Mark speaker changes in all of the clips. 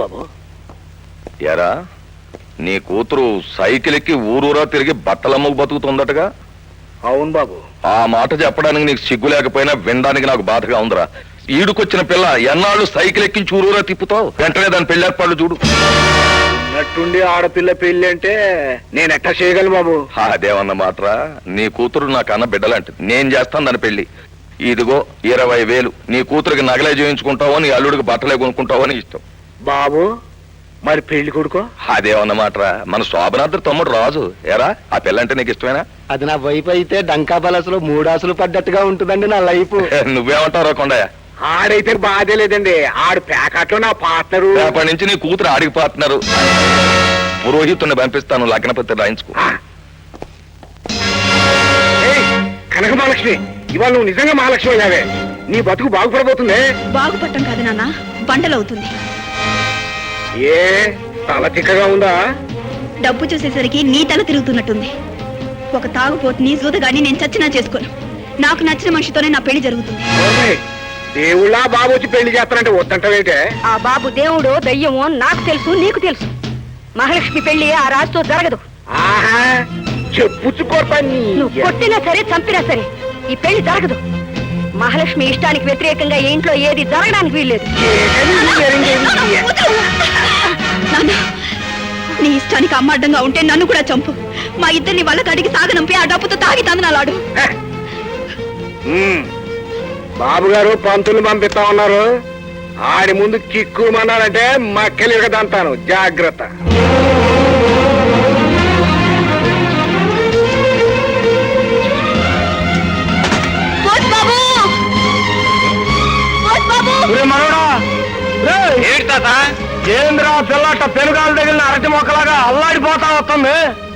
Speaker 1: బాబు.
Speaker 2: ఎరా నీ కూతురు సైకిల్ ఎక్కి ఊరూరా తిరిగి బట్టలమ్మకు బతుకుతుందటగా?
Speaker 1: అవును బాబు.
Speaker 2: ఆ మాట చెప్పడానికి నీకు సిగ్గు లేకపోయినా వినడానికి నాకు బాధగా ఉందిరా. ఈడుకొచ్చిన పిల్ల ఎన్నాళ్ళు సైకిల్ ఎక్కించి ఊరూరా తిప్పుతావు? వెంటనే దాని పెళ్లి ఏర్పాట్లు చూడు.
Speaker 1: ఉన్నట్టుండి ఆడపిల్ల పెళ్లి అంటే నేను ఎట్టా చేయగలను బాబు?
Speaker 2: అదేమన్న మాటరా, నీ కూతురు నా కన్న బిడ్డలాంటిది. నేను చేస్తాను దాని పెళ్లి. ఇదిగో 20,000. నీ కూతురికి నగలే చేయించుకుంటావో నీ అల్లుడికి బట్టలే కొనుక్కుంటావో అని ఇష్టం.
Speaker 1: బాబు మరి పెళ్లి కొడుకో?
Speaker 2: అదేమన్నమాటరా, మన శోభనాద్రి తమ్ముడు రాజు. ఎరా ఆ పిల్లంటే నీకు ఇష్టమేనా?
Speaker 1: అది నా వైపు అయితే డంకా బలసలో 3 ఆశలు పడ్డట్టుగా ఉంటుందండి నా లైఫ్.
Speaker 2: నువ్వేమంటావు రా కొండయ్య?
Speaker 1: ఆడైతే బాధే లేదండి, ఆడు ప్యాకెట్లో నా పార్ట్నరు.
Speaker 2: రేపటి నుంచి నీ కూతురు ఆడికి పార్ట్నరు. పురోహితుని పంపిస్తాను, లగ్నపత్రి రాయించుకో.
Speaker 1: కనక మహాలక్ష్మి, ఇవాళ నువ్వు నిజంగా మహాలక్ష్మి అయ్యావే. నీ బతుకు బాగుపడబోతుంది.
Speaker 3: బాగుపడటం కాదు నాన్న, బండలవుతుంది.
Speaker 1: ఏ తల తిక్కగా ఉందా?
Speaker 3: డబ్బు చూసేసరికి నీ తల తిరుగుతున్నట్టుంది. ఒక తాగుపోతుని సూదగాని నేను చచ్చినా చేసుకోను. నాకు నచ్చిన మనిషితోనే నా పెళ్లి జరుగుతుంది.
Speaker 1: దేవుళ్ళ బాబు వచ్చి పెళ్లి చేస్తానంటే వద్దంటే?
Speaker 4: ఆ బాబు దేవుడో దయ్యమో నాకు తెలుసు, నీకు తెలుసు. మహాలక్ష్మి పెళ్లి ఆ రాజుతో జరగదు.
Speaker 1: ఆహా, చెప్పుచ్చుకోర్పని.
Speaker 4: నువ్వు కొట్టినా సరే, చంపినా సరే ఈ పెళ్లి జరగదు. మహాలక్ష్మి ఇష్టానికి వ్యతిరేకంగా ఈ ఇంట్లో ఏది జరగడానికి వీల్లేదు.
Speaker 3: నీ ఇష్టానికి అమ్మ అడ్డంగా ఉంటే నన్ను కూడా చంపు. మా ఇద్దరిని వాళ్ళ కడిగి సాగనంపి ఆ డబ్బుతో తాగి తందనాలాడు.
Speaker 1: బాబు గారు పంతులు పంపిస్తా ఉన్నారు. ఆడి ముందు కిక్కుమన్నాడంటే మక్కలు దంతాను, జాగ్రత్త. ఏంద్రా పిల్లట పెనుగాలు తగిలిన అరటి మొక్కలాగా అల్లాడిపోతా వస్తుంది.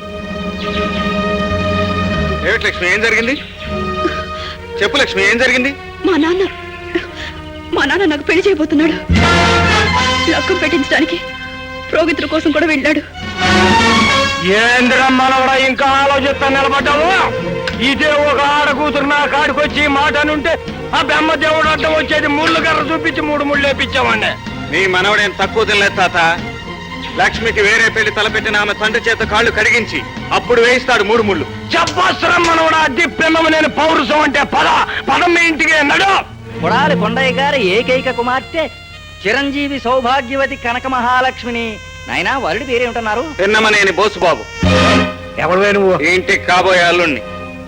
Speaker 1: ఏమిటి లక్ష్మి, ఏం జరిగింది? చెప్పు లక్ష్మి, ఏం జరిగింది?
Speaker 3: మా నాన్న నాకు పెళ్లి చేయబోతున్నాడు. లక్కం పెట్టించడానికి ప్రోగితుల కోసం కూడా వెళ్ళాడు.
Speaker 1: ఏంద్రమ్మా ఇంకా ఆలోచిస్తా నిలబడ్డావు? ఇదే ఒక ఆడ కూతురు నా కాడికొచ్చి మాట అనుంటే ఆ బెమ్మ దేవుడు అడ్డం వచ్చేది 3 కర్ర చూపించి 3 ముళ్ళు వేపించామండి. నీ మనవడేం తక్కువ తినలేదు తాత. లక్ష్మికి వేరే పెళ్లి తలపెట్టిన ఆమె తండ్రి చేత కాళ్ళు కడిగించి అప్పుడు వేయిస్తాడు 3 ముళ్ళు. చెప్పవసరం మనవడా, అద్దె పిల్లము నేను పౌరుషం అంటే పదం మీ ఇంటికి నడు.
Speaker 5: కొడాలి కొండయ్య గారి ఏకైక కుమార్తె చిరంజీవి సౌభాగ్యవతి కనక మహాలక్ష్మిని. నాయనా వరుడి పేరే ఉంటున్నారు?
Speaker 1: పిన్నమనేని బోసుబాబు. ఎవరు నువ్వు? ఇంటికి కాబోయే అల్లుణ్ణి.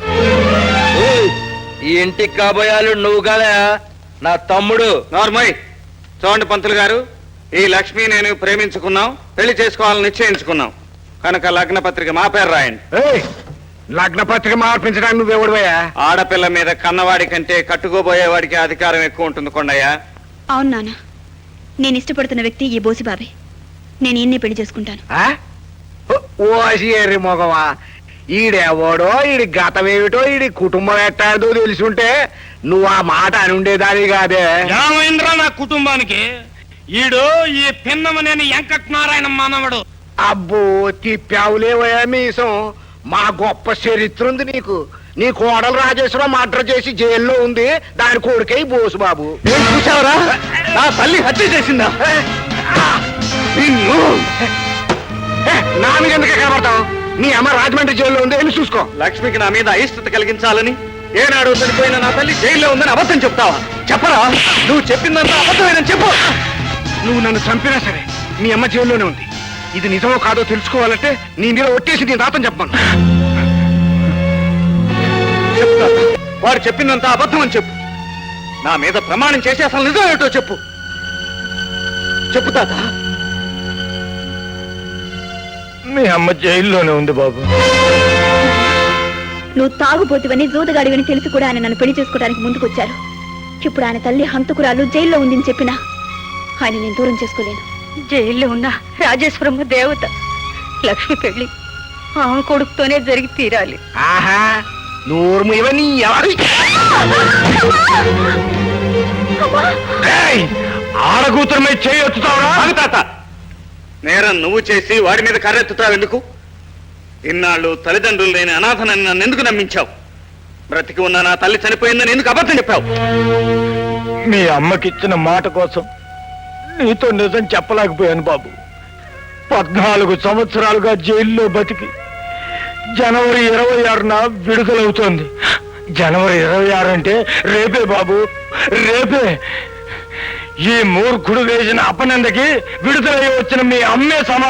Speaker 5: ఈ ఇంటికి కాబోయే అల్లుడు నువ్వు కదా, నా తమ్ముడు.
Speaker 1: నార్మల్. చూడండి పంతులు గారు, ఈ లక్ష్మి నేను ప్రేమించుకున్నాం, పెళ్లి చేసుకోవాలని నిశ్చయించుకున్నాం కనుక లగ్న పత్రిక మా పేరు రాయండి. లగ్న పత్రిక మార్పించడానికి నువ్వెవడువయ్యా? ఆడపిల్ల మీద కన్నవాడి కంటే కట్టుకోబోయేవాడికి అధికారం ఎక్కువ ఉంటుంది కొండయ్యా.
Speaker 3: అవును నాన్న, నేను ఇష్టపడుతున్న వ్యక్తి ఈ బోసిబాబే. నేను ఈయన్ని పెళ్లి చేసుకుంటాను.
Speaker 1: ఓసి మొగవా, ఈడెవడో, ఈడి గతమేమిటో, ఈడి కుటుంబం ఎట్టాదో తెలుసుంటే నువ్వు ఆ మాట అని ఉండేదాని కాదే.
Speaker 6: రామేంద్ర నా కుటుంబానికి ఈడు ఈ పిన్నమనేని వెంకటనారాయణ మానవుడు.
Speaker 1: అబ్బో తిప్పావులేవయా మీసం. మా గొప్ప చరిత్ర ఉంది నీకు. నీ కోడలు రాజేశ్వరం మర్డర్ చేసి జైల్లో ఉంది, దాని కొడుకై బోసుబాబు. చూసావరా, నా తల్లి హత్య చేసిందా? నా మీద ఎందుకే కనబడతావు? నీ అమ్మ రాజమండ్రి జైల్లో ఉంది, వెళ్ళి చూసుకో. లక్ష్మికి నా మీద అయిష్టత కలిగించాలని ఏనాడు చనిపోయిన నా తల్లి జైల్లో ఉందని అబద్ధం చెప్తావా? చెప్పరా, నువ్వు చెప్పిందంతా అబద్ధమేనని చెప్పు. నువ్వు నన్ను చంపినా సరే నీ అమ్మ జైల్లోనే ఉంది. ఇది నిజమో కాదో తెలుసుకోవాలంటే నీ మీద ఒట్టేసి నీ రాతను చెప్పమను. వాడు చెప్పిందంతా అబద్ధం అని చెప్పు. నా మీద ప్రమాణం చేసి అసలు నిజం ఏమిటో చెప్పు. చెప్పు తాత.
Speaker 2: మీ అమ్మ జైల్లోనే ఉంది బాబు.
Speaker 3: నువ్వు తాగుపోతువని జూదగాడివని తెలిసి కూడా ఆయన నన్ను పెళ్లి చేసుకోవడానికి ముందుకొచ్చారు. ఇప్పుడు ఆయన తల్లి హంతకురాలు జైల్లో ఉందని చెప్పినా ఆయన నేను దూరం చేసుకోలేను.
Speaker 4: జైల్లో ఉన్న రాజేశ్వరమ్మ దేవత. లక్ష్మి పెళ్లి ఆమె కొడుకుతోనే జరిగి తీరాలి.
Speaker 1: ఆహా, నూరు ఇవన్నీ ఆడకూతురు మీద చేయొచ్చుతావురా? తాత, నేరం నువ్వు చేసి వాడి మీద కర్రెత్తుతావు ఎందుకు? ఇన్నాళ్ళు తల్లిదండ్రులు లేని అనాథనని నన్ను ఎందుకు నమ్మించావు? బ్రతికి ఉన్న నా తల్లి చనిపోయిందని ఎందుకు అబద్ధం చెప్పావు?
Speaker 2: మీ అమ్మకిచ్చిన మాట కోసం
Speaker 1: నీతో నిజం చెప్పలేకపోయాను బాబు. 14 సంవత్సరాలుగా జైల్లో బతికి జనవరి 26న విడుదలవుతోంది. జనవరి 26 అంటే రేపే బాబు, రేపే. ఈ మూర్ఖుడు వేసిన అపనందకి విడుదలయ్యి వచ్చిన మీ అమ్మే